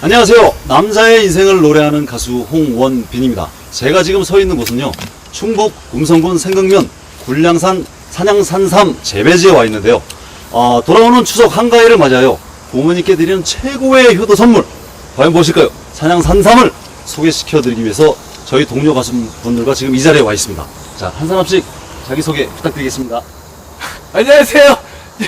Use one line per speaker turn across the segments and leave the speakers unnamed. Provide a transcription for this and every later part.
안녕하세요. 남자의 인생을 노래하는 가수 홍원빈입니다. 제가 지금 서 있는 곳은요, 충북 음성군 생강면 굴량산 산양산삼 재배지에 와 있는데요. 돌아오는 추석 한가위를 맞이하여 부모님께 드리는 최고의 효도 선물, 과연 무엇일까요? 산양산삼을 소개시켜드리기 위해서 저희 동료 가수분들과 지금 이 자리에 와 있습니다. 자, 한 사람씩 자기소개 부탁드리겠습니다.
안녕하세요.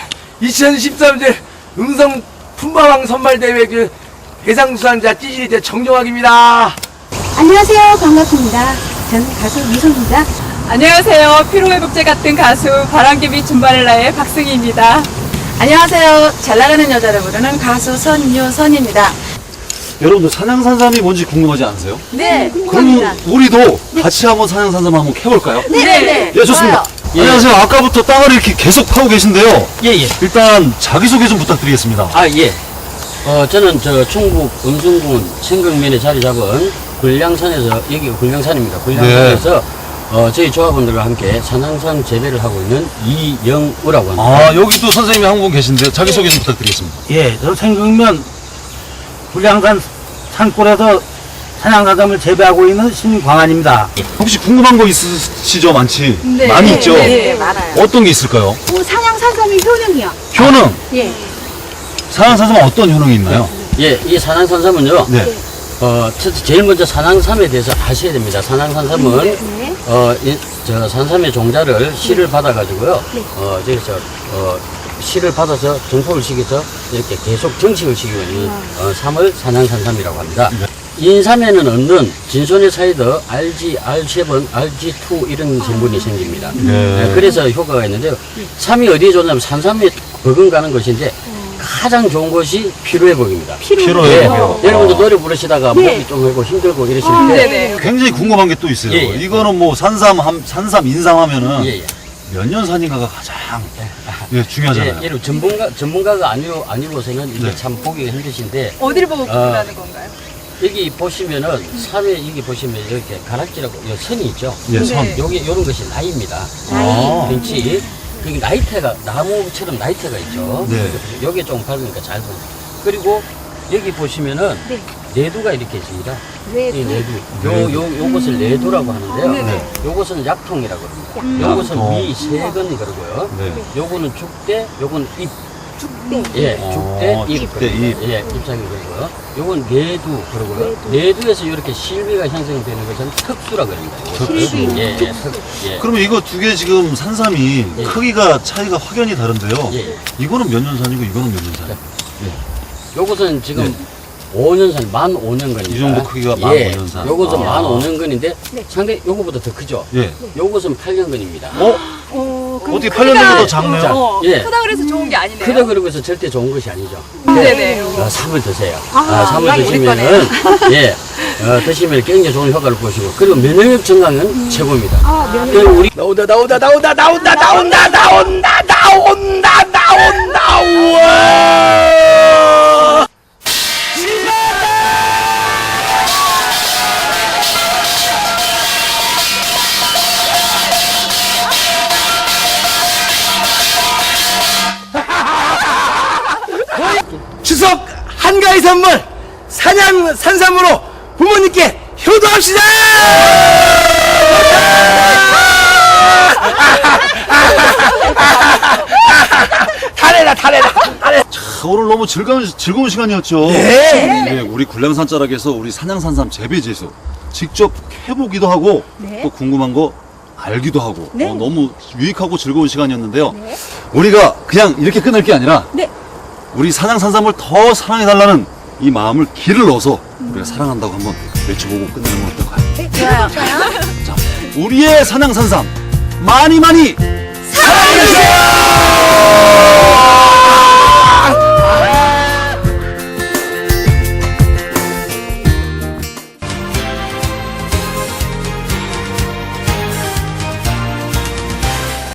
2013년 음성 품바왕 선발대회 대상수상자 찌질이대 정종학입니다.
안녕하세요. 반갑습니다. 저는 가수 미소입니다.
안녕하세요. 피로회복제 같은 가수 바람개비 줌바렐라의 박승희입니다.
안녕하세요. 잘나가는 여자를 부르는 가수 선유선입니다.
여러분들 산양산삼이 뭔지 궁금하지 않으세요?
네,
그럼 우리도 같이 한번 산양산삼 한번 캐볼까요?
네.
예, 좋습니다.
예.
안녕하세요. 아까부터 땅을 이렇게 계속 파고 계신데요.
예.
일단 자기소개 좀 부탁드리겠습니다.
예. 저는 충북 음성군 생강면에 자리 잡은 굴량산에서, 여기가 굴량산입니다. 굴량산에서, 저희 조합원들과 함께 산양산 재배를 하고 있는 이영우라고 합니다.
여기도 선생님이 한 분 계신데요. 자기소개 좀 부탁드리겠습니다.
예, 저 생강면 굴량산 산골에서 산양산삼을 재배하고 있는 신광환입니다.
혹시 궁금한 거 있으시죠? 많이 있죠?
네, 많아요.
어떤 게 있을까요?
산양산삼의 효능이요.
효능!
예.
산양산삼은 어떤 효능이 있나요?
예, 이 산양산삼은요,
네.
제일 먼저 산양삼에 대해서 아셔야 됩니다. 산양산삼은,
네.
산삼의 종자를 씨를 받아가지고요, 저기서, 씨를 받아서 정포를 시켜서 이렇게 계속 정식을 시키고 있는 삼을 산양산삼이라고 합니다. 인삼에는 없는 진손의 사이드 RG, R7, RG2 이런 성분이 생깁니다. 그래서 효과가 있는데요. 삼이 어디에 좋냐면 산삼에 버금가는 것인데 가장 좋은 것이 피로회복입니다.
피로회복이요.
여러분도 노래 부르시다가 목이 좀 하고 힘들고 이러실 때
네네.
굉장히 궁금한 게 또 있어요.
예.
이거는 뭐 산삼, 인삼 하면은
예.
몇 년 산인가가 가장 중요하잖아요.
예, 전문가가 아니고서는 이게
네.
참 보기가 힘드신데
어디를 보고 구분하는 건가요?
여기 보시면은 삼에 여기 보시면 이렇게 가락지라고 요 선이 있죠.
예, 선.
네.
요게 요런 것이 나이입니다. 벤치 여기 나이테가 나무처럼 나이테가 있죠.
네.
여기 좀 밝으니까 잘 보여요. 그리고 여기 보시면은
네.
내두가 이렇게 있습니다.
네.
이 내두. 요것을 내두라고 하는데요.
네네.
요것은 약통이라고 합니다. 요것은 위세근 그러고요.
네.
요거는 죽대, 요건 잎.
죽대.
예, 죽대, 잎.
죽대, 잎.
예, 잎사귀 그러고요. 요건 내두 그러고요. 내두에서 이렇게 실비가 형성되는 것은 특수라고 합니다.
실비.
예.
그러면 이거 두 개 지금 산삼이
예.
크기가 차이가 확연히 다른데요.
예.
이거는 몇 년 산이고 이거는 몇 년 산?
요것은 지금 5년산, 만 5년근입니다.
이 정도 크기가 만 5년산.
요것은
아.
만 5년근인데 상당히 요거보다 더 크죠.
예.
요것은 8년근입니다.
어떻게 8년전보다 작네요?
예.
크다 그래서 좋은 게 아니네요.
크다 그러고 해서 절대 좋은 것이 아니죠.
네네.
삼을 드세요. 삼을
많이
드시면은, 예, 드시면 굉장히 좋은 효과를 보시고, 그리고 면역력 증강은 최고입니다. 그리고 우리
나온다. 추석 한가위 선물 산양산삼으로 부모님께 효도합시다. 탈해라.
오늘 너무 즐거운 시간이었죠.
네.
우리 굴량산 자락에서 우리 산양산삼 재배지에서 직접 해보기도 하고 또 궁금한 거 알기도 하고 너무 유익하고 즐거운 시간이었는데요. 우리가 그냥 이렇게 끝낼 게 아니라 우리 산양산삼을 더 사랑해달라는 이 마음을 기를 넣어서 우리가 사랑한다고 한번 외쳐보고 끝내는 건 어떨까요?
좋아요.
자, 우리의 산양산삼 많이